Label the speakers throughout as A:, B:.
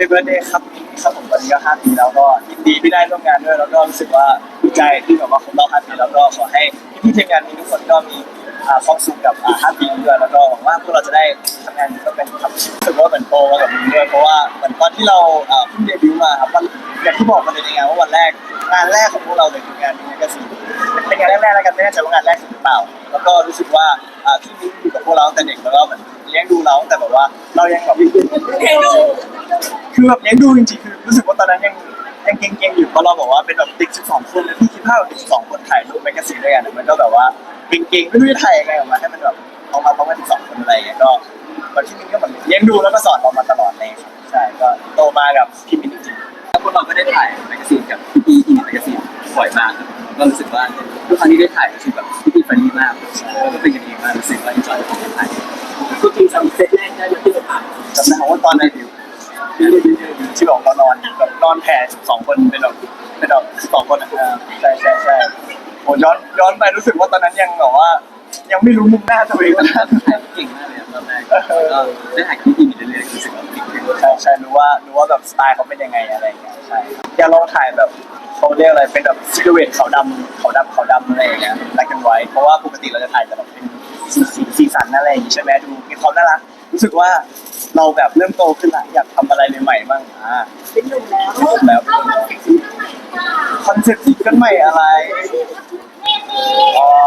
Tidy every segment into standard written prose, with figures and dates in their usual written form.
A: เบิร์ธเดย์ครับครับผมตอนนี้ก็5 ปีแล้วก็ยินดีที่ได้ร่วมงานด้วยแล้วก็รู้สึกว่าดีใจที่แบบว่าครบรอบ5 ปีแล้วก็ขอให้พี่ๆทีมงานมีทุกคนก็มีความสุขกับ5 ปีนี้ด้วยแล้วก็หวังว่าพวกเราจะได้ทำงานก็เป็นทำรู้สึกว่าเหมือนโตมากับนี้ด้วยเพราะว่าเหมือนตอนที่เราเพิ่งเดบิวต์มาครับวันอย่างที่บอกมาเลยในงานว่าวันแรกงานแรกของพวกเราเลยคืองานนี้ก็สิเป็นงานแรกๆแล้วกันไม่แน่ใจว่างานแรกหรือเปล่าแล้วก็รู้สึกว่าพี่มิ้นอยู่กับพวกเราตั้งแต่เด็กแล้วก็เหมือนเลี้ยงดูเราตั้งแต่แบบว่าเรายังแบบคือแบบเลี้ยงดูจริงๆคือรู้สึกว่าตอนนั้นยังเก่งๆอยู่เพราะเราบอกว่าเป็นแบบเด็ก12 คนแล้วพี่คิดภาพแบบเด็ก12 คนถ่ายรูปแมกกาซีนด้วยกันมันก็แบบว่าเก่งๆไม่รู้จะถ่ายยังไงออกมาให้มันแบบออกมาพร้อมกัน12 คนอะไรอย่างเงี้ยก็ตอนที่มิ้นก็เหมือนเลี้ยงดูแล้วก็สอนเรามาตลอดเลยใช่ก็โตมากับพี่มิ้นจริงๆ
B: แล้วพวกเราก็ได้ถ่ายแมกกาซีนกับพี่ๆที่แมกกาซีนบ่อยมากครับก็รู้สึกว่าทุกครั้งที่ได้ถ่ายรู้สึกแบบพี่ๆเฟรนลี่มากแล้วก็เป็นกันเองมากรู้สึกว่าอินจอยกับการถ่าย
C: คือจริงๆเซตแรกได้มาที่สภา
A: จำได้ว่าตอนนั้นที่บอกเรานอนแบบนอนแผ่12 คนเป็นแบบ12 คนใช่โอ้ย้อนไปรู้สึกว่าตอนนั้นยังแบบว่ายังไม่รู้มุมหน้าตัวเองว่าหน้า
B: ถ่ายเก่งมากเลยตอนแรกก็ได้ถ่ายกับพี่ๆเรื่อยๆรู้สึกว่าเก่ง
A: ใช่รู้ว่าแบบสไตล์เขาเป็นยังไงอะไรอย่างเงี้ยใช่อย่าลองถ่ายแบบเขาเรียกอะไรเป็นแบบซิลูเอตขาวดำอะไรอย่างเงี้ยแบล็คแอนด์ไวท์เพราะว่าปกติเราจะถ่ายแต่แบบเป็นสีสันอะไรอย่างงี้ใช่ไหมดูมีความน่ารักรู้สึกว่าเราแบบเริ่มโตขึ้นละอยากทำอะไรใหม่ๆบ้าง
C: เป็นหนุ่มแล้ว
A: คอนเซ็ปต์ซิงเกิลใหม่อะไรอ๋อ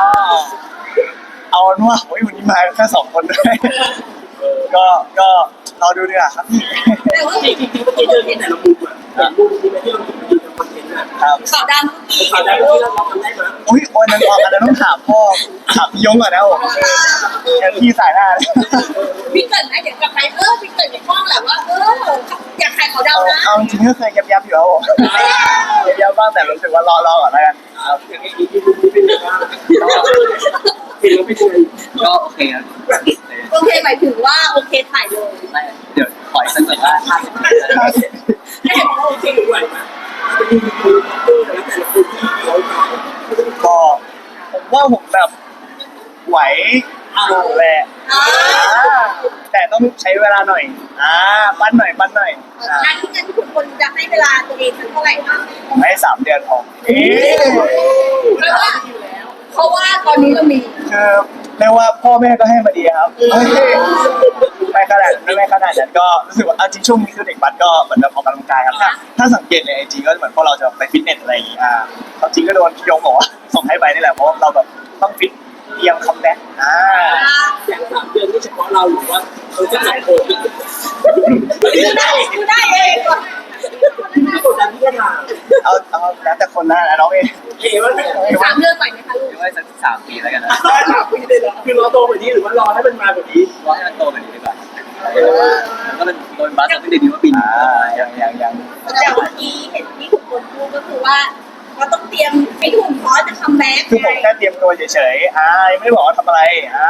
A: เอาเป็นว่าวันนี้มาแค่2 คนด้วยก็เราดูดีกว่าครับพี่
C: แต่ว่าจริงๆเมื่อกี้เจอที่ไหนเราดูอ่ะรูปที่ไม่ที่เราดูในคอนเทนต์อ่ะ
A: ครับ
C: ขาวดำขาวดำที่เราทำได้ไหม
A: อันนั้นต้องถามพ่อถามพี่ยงก่อนนะผมพี่สายหน้าเลย
C: พี่เกิดไหมเดี๋ยวกลับไปพี่เกิดในห้องแหละว่าอยากขายขาวดำนะ
A: เอาจริงก็เคยยับอยู่แล้วผมยับบ้างแต่รู้สึกว่ารอก่อนแล้วกัน
C: อย่างนี้ที่ดูเป็นยังไงบ้างเห็นแล้วไม่เคย
B: ก็โอเคครับ
C: โอเคหมายถึงว่าโอเคถ่ายเลย
B: เดี๋ยวปล่อยสักแบบว่า
C: ไม่เห็นว่าโอเคไหวไหมจะมีคนแล้วแต่ละคนที่เขา
A: ก็ผมว่าผมแบบไหวอยู่แหละแต่ต้องใช้เวลาหน่อยปั้นหน่อย
C: งานที่ทุกคนจะให้เวลาตัวเองเท่าไหร่คะ
A: ผมให้3 เดือนพอ
C: เพราะว่าตอนนี้เรามี
A: คือเรียกว่าพ่อแม่ก็ให้มาดีครับไม่ขนาดนั้นก็รู้สึกว่าจริงช่วงนี้คือเด็กบัสก็เหมือนแบบออกกำลังกายครับถ้าสังเกตในIGก็เหมือนพวกเราจะไปฟิตเนสอะไรอย่างงี้จริงก็โดนพี่ยงบอกว่าส่งให้ไปนี่แหละเพราะเราแบบต้องฟิตเตรียมคัมแบ็ค
C: อย่าง3 เดือนนี่เฉพาะเราหรือว่าเขาจะจัดโค้ชได้เองที่กดดันที่จะมา
A: เอาแล้วแต่คนนะน้องเอง
C: ว่า3 เดือนใหม่ไหมคะลูก
B: ไม่สัก3 ปีแล้วกันนะ
C: 3 ปีเลยเหรอคือรอโตกว่านี้หรือว่ารอให้มันมาแบบนี้
B: รอให้มันโตกว่านี้ดีกว่าก็เป็นโดนบัสตั้งแต่เดียวว่าปีนี้
A: ยัง
C: แต่เมื่อกี้เห็นที่ทุกคนพูดก็คือว่าเราต้องเตรียมให้ถุงคอจะคัมแบ็ค
A: คือผมแค่เตรียมตัวเฉยๆยังไม่ได้บอกว่าทำอะไร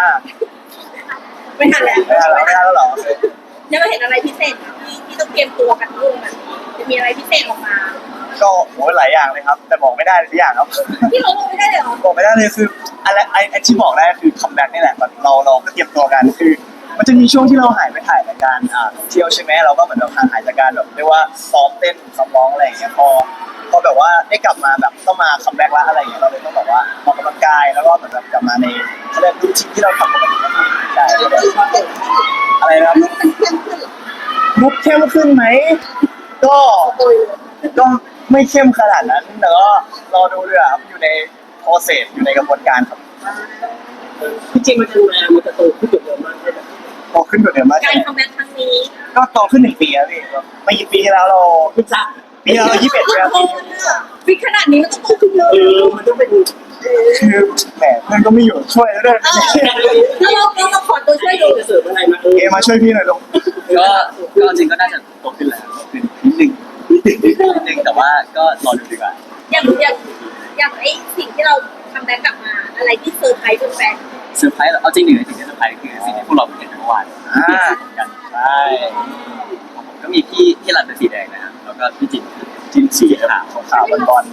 C: ไม่ทันแล้ว
A: หรอ
C: ยังไม่เห็นอะไรพิเศษที่ต้องเตรียมตัวกันลูกจะมีอะไรพิเศษออกมา
A: ก็หลายอย่างเลยครับแต่บอกไม่ได้ทุกอย่างครับ
C: ที่เราบอกไม่ได้เลยหรอ
A: บอกไม่ได้เลยคืออะไรไอ้ที่บอกได้คือคัมแบ็คนี่แหละเราก็เตรียมตัวกันคือมันจะมีช่วงที่เราหายไปถ่ายรายการเที่ยวใช่ไหมเราก็เหมือนเราหายจากการแบบเรียกว่าซ้อมเต้นซ้อมร้องอะไรอย่างเงี้ยพอแบบว่าได้กลับมาแบบต้องมาคัมแบ็คละอะไรอย่างเงี้ยเราเลยต้องแบบว่าออกกำลังกายแล้วก็เหมือนแบบกลับมาในเขาเรียกรูทีนที่เราทำปกติใช่อะไรนะครับมุกเข้มขึ้นไหมก็ไม่เข้มขนาดนั้นแต่ก็รอดูด้วยครับอยู่ในโปรเซสอยู่ในกระบวนการครับ
C: จริงมันจะโตขึ้นเยอะมากเลย
A: โตขึ้นกว่าเดิมมาก
C: การคัมแบ็คครั้งนี้
A: ก็โตขึ้น1 ปีแล้วพี่ไม่กี่ปีแล้วเรา
C: คุณจัก
A: ปีเรา21แล้ว
C: ปีขนาดนี้มันต้องโตขึ้นเยอะมันต้องเป็น
A: คือแหมเพื่อนก็ไม่อยู่ช่วยแล้วด้วย
C: แล้วเราขอตัวช่วยดูจะเสริมอะไร
A: มาช่วยพี่หน่อยลง
B: ก็จริงก็น่าจะโตขึ้นแล้วขึ้นนิดนึงแต่ว่าก็รอดูดีกว่า
C: อย่างไอ้สิ่งที่เราทำแบ็คกลับมาอะไรที่เซอร์ไพรส์แฟน
B: เซอร์ไพรส์เอาจริงหนึ่งในสิ่งที่เซอร์ไพรส์คือสิ่งที่พวกเราเห็นเมื่อวาน
A: กันใช่
B: ก็มีพี่รันเป็นสีแดงนะครับแล้วก็พี่จินสีขาวบอล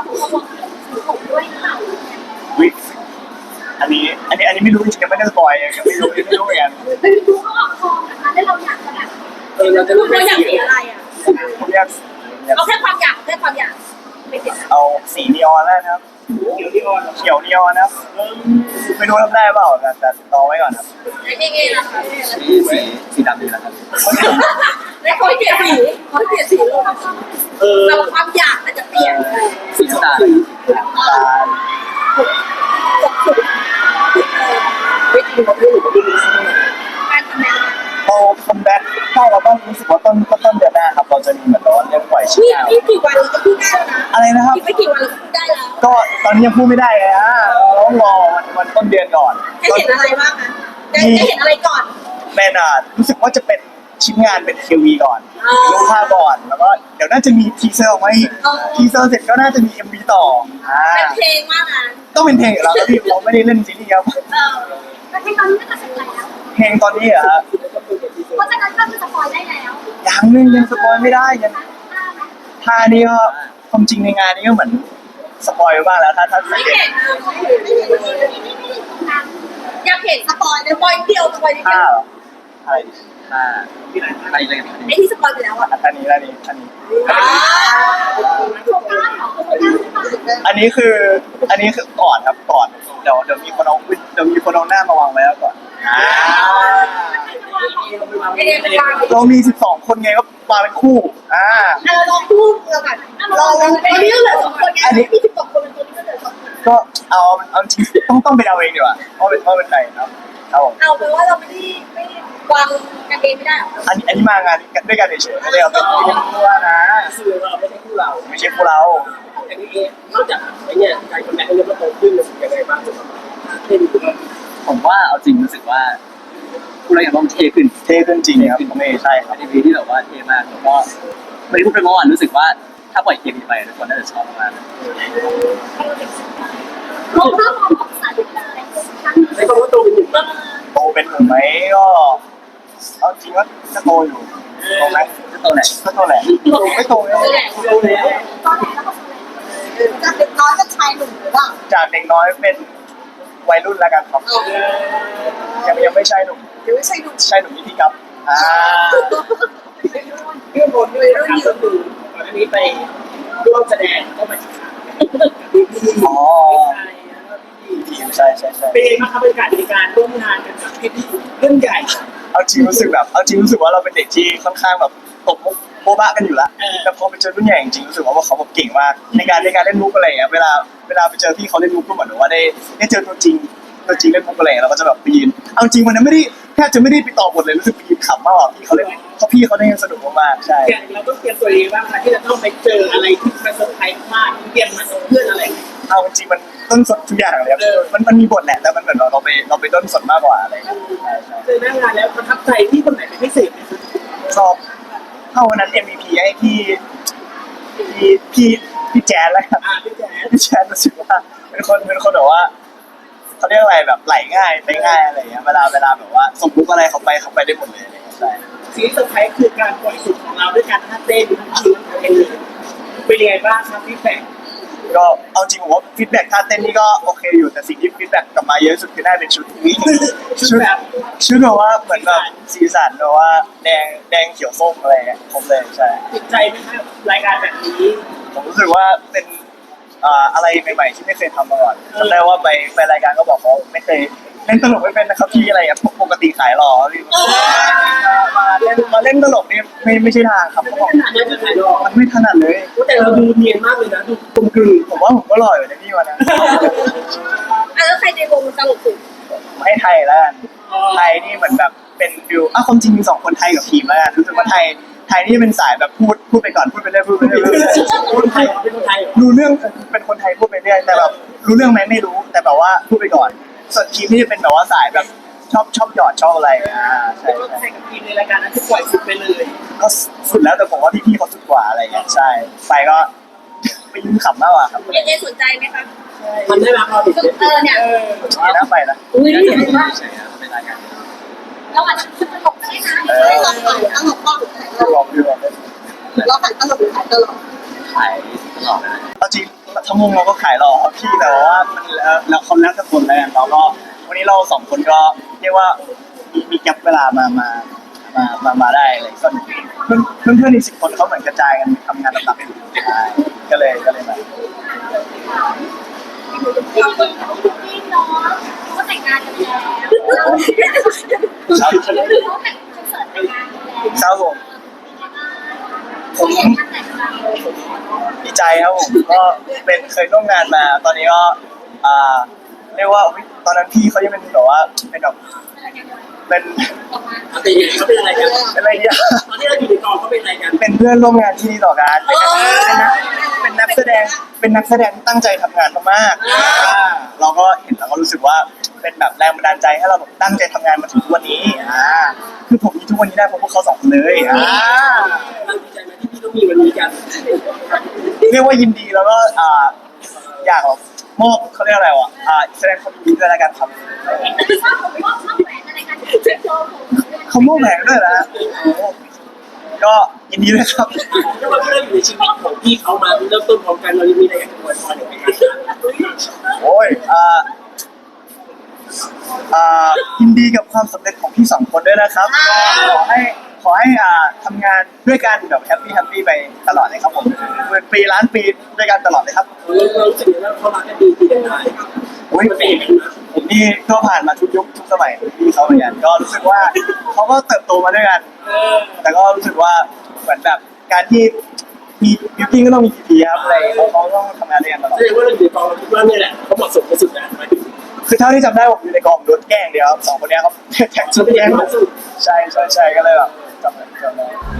A: วิอันนี้ไม่รู้จริงๆยังไม่ได้สปอยยังไม่รู้เหมือนกัน
C: ไม่รู้เขาออกคอนะคะแล้วเราอยากจะแบบเราจะรู้ว่าอยากสีอะไรอ่ะ
A: ผมอยาก
C: เอาแค่ความอยากแค่ความอยากไม่เก็บ
A: เอาสีนีออนแล้วนะครับ
C: เดี๋ยวที่ออน
A: เขียวนีออนนะครับไม่รู้ทำได้เปล่าแต่รอไว้ก่อนครับ
C: ไอ้นี่ไงล่ะ
B: สีดำดีนะครับ
C: แล้วคอยเปลี่ยนสีคอยเปลี่ยนสีลงเราความอยากมันจะเปลี่ยน
B: สีน้ำตาล
A: ตา
C: ไม่จริงเขาไม่หนูก็ดูการทำงาน
A: เราคัมแบ็คถ้าเราต้องรู้สึกว่าต้นเดือนหน้าครับเราจะมีเหมือนร้อนเรื่องปล่อยชิ้น
C: นี่
A: งาน
C: ไม่กี่วันเราก็พูดได้แล้วนะ
A: อะไรนะครับ
C: อีกไม่กี่วันเราก็พูดได้แล้ว
A: ก็ตอนนี้ยังพูดไม่ได้เลยฮะเราต้องรอวันต้นเดือนก่อน
C: จะเห็นอะไรบ้างคะจะเห็นอะไรก่อน
A: เป็นรู้สึกว่าจะเป็นชิ้นงานเป็นคิววีก่อนลงภาพก่อนแล้วก็เดี๋ยวน่าจะมีทีเซอร์ออกมาอีกทีเซอร์เสร็จก็น่าจะมี MV ต่อ
C: เป็นเพลงมากนะ
A: ต้องเป็นเพลงของเราแล้วพี่เราไม่ได้เล่นซีรีส์ครับ
D: แต่เพลงตอนนี้ก็ตัดสินใจแล้ว
A: เพลงตอนนี้เหรอฮะ
D: เพราะฉะนั้นก็คือสปอยได้แล้ว
A: ยังสปอยไม่ได้ยัง
D: ได้ไหม
A: ท่านี้ก็ความจริงในงานนี้ก็เหมือนสปอยไปบ้างแล้วถ้าสั
C: ไม่
A: งเกต
C: เห็น
D: ไม่ได้ตรงนั้น
C: อยากเห็นสปอยสปอยเดียวสปอยนิด
A: ท่า
C: เดียว
A: เหรออะไร
B: ถ้าอะไรอะไรกัน
C: ไอ้ที่สปอยไปแล้วอ่ะ
A: อันนี้
D: โครงการของโครงการหรือเปล่า
A: อันนี้คือก่อนครับก่อนเดี๋ยวมีคนเอาหน้ามาวางไว้แล้วก่อน
C: ไอเดียเป็นวาง
A: เรามี12 คนไงก็มาเป็นคู่
C: เราลองพูดเราก่อนเราตอนนี้เหลือสองคนไงมี12 คนเป็นตัวนี้ก็เหลือ2 คน
A: ก็เอาจริงต้องไปเดาเองดีกว่าว่าเป็นใครครับครับผม
C: เอาไปว่าเราไม่วางกันเองไม่ได้
A: อันนี้มางานด้วยกันเฉยๆไม่ได้เอาเป็นตัวนะ
C: คือเราไม่ใช่คู่เรา
A: ไม่ใช่คู่เรา
C: อย่างนี้เองนอกจากไอ้เนี่ยการคอนแทคเรื่องมันโตขึ้นมันยังไงบ้างเป็น
B: ผมว่าเอาจริงรู้สึกว่าผู้เล่นอย่างต้องเท่ขึ้น
A: เท่ขึ้นจริงครับไม่ใช่ครับ
B: เป็นวีที่แบบว่าเท่มากแล้วก็ไม่ได้พูดไปเมื่อวานรู้สึกว่าถ้าปล่อยเกมนี้ไปทุกคนน่าจะชอบมาก
D: เราเริ่มมองของสายเป็นอะไรครั้งนี้
C: ในความว่าโตเป็นหนึ่งบ้าง
A: โตเป็นหนุ่มไหมก็เอาจริงว่าก็โตอยู่โตไหม
B: ๆจะโตไหน
A: ก็โตแหละไม่โตเลย
C: โตแล้ว
D: ตอนไหนแล้วก็ตอนไหน
C: จากเด็กน้อยก็ชายหนุ่มหรือเปล่า
A: จากเด็กน้อยเป็นวัยรุ่นแล้วกันครับยังไม่ใช่หนุ่ม
C: หรือไม่ใช่หนุ่ม
A: ใช่หนุ่มนิติครับ
C: เรื่องบนด้วยเรื่องยืนดูก่อนหน้านี้ไปร่วมแสดงก็มา
A: อ๋อทีมใช่
C: เป็นไงบ้างครับบรรยากาศในการร่วมงานกันกับพี่เรื่องใหญ่
A: เอาจริงรู้สึกว่าเราเป็นเด็กที่ค่อนข้างแบบตบมุกโบ๊ะบะกันอยู่แล้วแต่พอไปเจอรุ่นใหญ่จริงรู้สึกว่าเขาแบบเก่งมากในการเล่นมุกอะไรอย่างเงี้ยเวลาไปเจอพี่เขาเล่นมุกก็เหมือนว่าได้เจอตัวจริงเล่นมุกอะไรเราก็จะแบบไปยืนเอาจริงวันนั้นแทบจะไม่ได้ไปต่อบทเลยรู้สึกไปยืนขำมากกว่าพี่เขาเล่นพี่เขาได้สนุกมากใช่
C: อย่างเราต้องเตรียมตัวเองบ้างคะที่จะต้องไปเจออะไรที่มันเซอร์ไพรส์มากเตรียมมาเพื่อนอะไร
A: เอาจริงมันต้นสดทุกอย่างเลยครับมันมีบทแหละแต่มันเหมือนเราไปต้นสดมากกว่าอะไรใช่
C: เจอหน้างานแล้วประทับใจที่คนไหนเป็นพิเศษไหมคะ
A: ชอบเข้าวันนั้น MVP ให้พี่แจ๊สแล้วครับ
C: พี่แจ๊
A: พี่แจ๊สรู้สึกว่าเป็นคนแบบว่าเขาเรียกอะไรแบบไหลง่ายไปง่ายอะไรอย่างเงี้ยเวลาแบบว่าส่งมุกอะไรเขาไปได้หมดเลยใช่
C: สิ่งที่เซอร์ไพรส์คือการปล่อยสุดของเราด้วยการท่าเต้นทั้งเพลงเป็นยังไงบ้างครับพี่แฟน
A: ก็เอาจริงผมว่าฟีดแบ็กท่าเต้นนี่ก็โอเคอยู่แต่สิ่งที่ฟีดแบ็กกลับมาเยอะสุดคือน่าเป็นชุดชุดแบบว่าเหมือนแบบสีสันแบบว่าแดงเขียวส้มอะไรเงี้ยผมเลยใช่
C: ติดใจไหมครับรายการแบบนี้
A: ผมรู้สึกว่าเป็นอะไรใหม่ๆที่ไม่เคยทำมาก่อนจำได้ว่าไปรายการก็บอกเขาไม่เคยเล่นตลกไม่เป็นนะครับพี่อะไรอะปกติขายหล่อพี่มาเล่นตลกนี่ไม่ใช่ทางครับเขาบอก
C: ขนาดนั้นจะขายรอ
A: มันไม่ถนัดเลย
C: แต่เราดูเนียนมากเลยนะดูกลมกลืน
A: ผมว่าผมก็หล่ออยู่ในพี่วันนั้น
C: แล้วใครในวงตลกสุด
A: ให้ไทยแล้วกันไทยนี่เหมือนแบบเป็นฟิวความจริงมี2 คนไทยกับทีมแล้วกันรู้สึกว่าไทยนี่เป็นสายแบบพูดไปก่อนพูดไปเรื่อย
C: คนไทยเป็นคนไทย
A: รู้เรื่องเป็นคนไทยพูดไปเรื่อยแต่แบบรู้เรื่องไหมไม่รู้แต่แบบว่าพูดไปก่อนส่วนทีมนี่จะเป็นแบบว่าสายแบบชอบหยอดชอบอะไรใช่
C: ใครกับทีมในรายการนั้นที่ปล่อยสุดไปเลย
A: ก็สุดแล้วแต่ผมว่าพี่เขาสุดกว่าอะไรเงี้ยใช่ไปก็ไปยิ้มขำมากกว่าครับ
C: เอสนใจไหมคะมันได้รับเราดิ
D: เนี่ย
A: นี่นะไปนะ
C: อุ้ย
B: แล้วก็ไม่ใช่ครับเป็นรายการ
D: เราอาจจะตลกได้นะ
C: เราขายตลกบ้าง
A: ลองดูลองดู
C: เราขายตลกหรือขายตลก
B: ขายตลอดเลย
A: เอาจริงทั้งวงเราก็ขายหล่อครับพี่แต่ว่ามันแล้วคนแล้วแต่คนแล้วกันเราก็วันนี้เรา2 คนก็เรียกว่ามีแก็ปเวลามามาได้อะไรก็เพื่อนอีก10 คนเขาเหมือนกระจายกันทำงานหลักๆอยู่ใช่ก็เลยมา
D: เราเป็นคู่จิ้นเนาะเขาก็แต่งงานกันแล้วเราเขาแต่งคอนเสิร์ตแต่งงานกันแล้ว
A: ครับผมผม
D: เห็นงานแต่งงาน
A: ดีใจครับผมก็เป็นเคยร่วมงานมา ตอนนี้ก็เรียกว่าอุ๊ยตอนนั้นพี่เขายังเป็นแบบว่าเป็นแบบเป็น
C: เขาเป็นอะไรกัน
A: เป็นอะไรเนี่ย
C: ตอนที่เราอยู่ในกองเขาเป็นอะไรกัน
A: เป็นเพื่อนร่วมงานที่ดีต่อกันเป็นนักแสดงที่ตั้งใจทำงานมากๆเราก็เห็นแล้วก็รู้สึกว่าเป็นแบบแรงบันดาลใจให้เราแบบตั้งใจทำงานมาถึงทุกวันนี้คือผมมีทุกวันนี้ได้เพราะพวกเขา2 คนเลย
C: เราดีใจไหมที่พี่ต้องมีวันนี้กัน
A: เรียกว่ายินดีแล้วก็อยากแบบมอบเขาเรียกอะไรวะแสดงความยินดีด้วยแล้วกันครับ
D: ชอบผมชอบแหวนอะไรกันเซ็ตโชว์ผม
A: เขามอบแหวนด้วยนะก็ยินดีด้วยครับ
C: แล้ววันที่เราอยู่ในชีวิตของพี่เขามาเริ่มต้นพร้อมกันเรายังมีอะไรอยากจะอวยพรหรือไม่กัน
A: โอ้ยยินดีกับความสำเร็จของพี่2 คนด้วยนะครับก็ขอให้ทำงานด้วยกันแบบแฮปปี้ไปตลอดเลยครับผม10 ปีล้านปีด้วยกันตลอดเลยครับ
C: เรารู้สึกว่าเขารักกันดีกันได้
A: อุ้ย
C: มันเป็นอย่างนั้นนะ
A: ผมนี่ก็ผ่านมาทุกยุคทุกสมัยพี่เขาเหมือนกันก็รู้สึกว่าเขาก็เติบโตมาด้วยกัน แต่ก็รู้สึกว่าเหมือนแบบการที่มีบิวกิ้งก็ต้องมีพีครับอะไรเขาต้องทำงานด้วยกันตลอด
C: แสดงว่าเราอยู่ในกองเราคิดว่านี่แหละเขาเหมาะสมที่สุดนะหมายถึง
A: คือเท่าที่จำได้ผมอยู่ในกองโดนแกล้งเดียวครับ2 คนเนี้ยเขาแท็กชุดแกล้งผมใช่ก็เลยแบบจำได้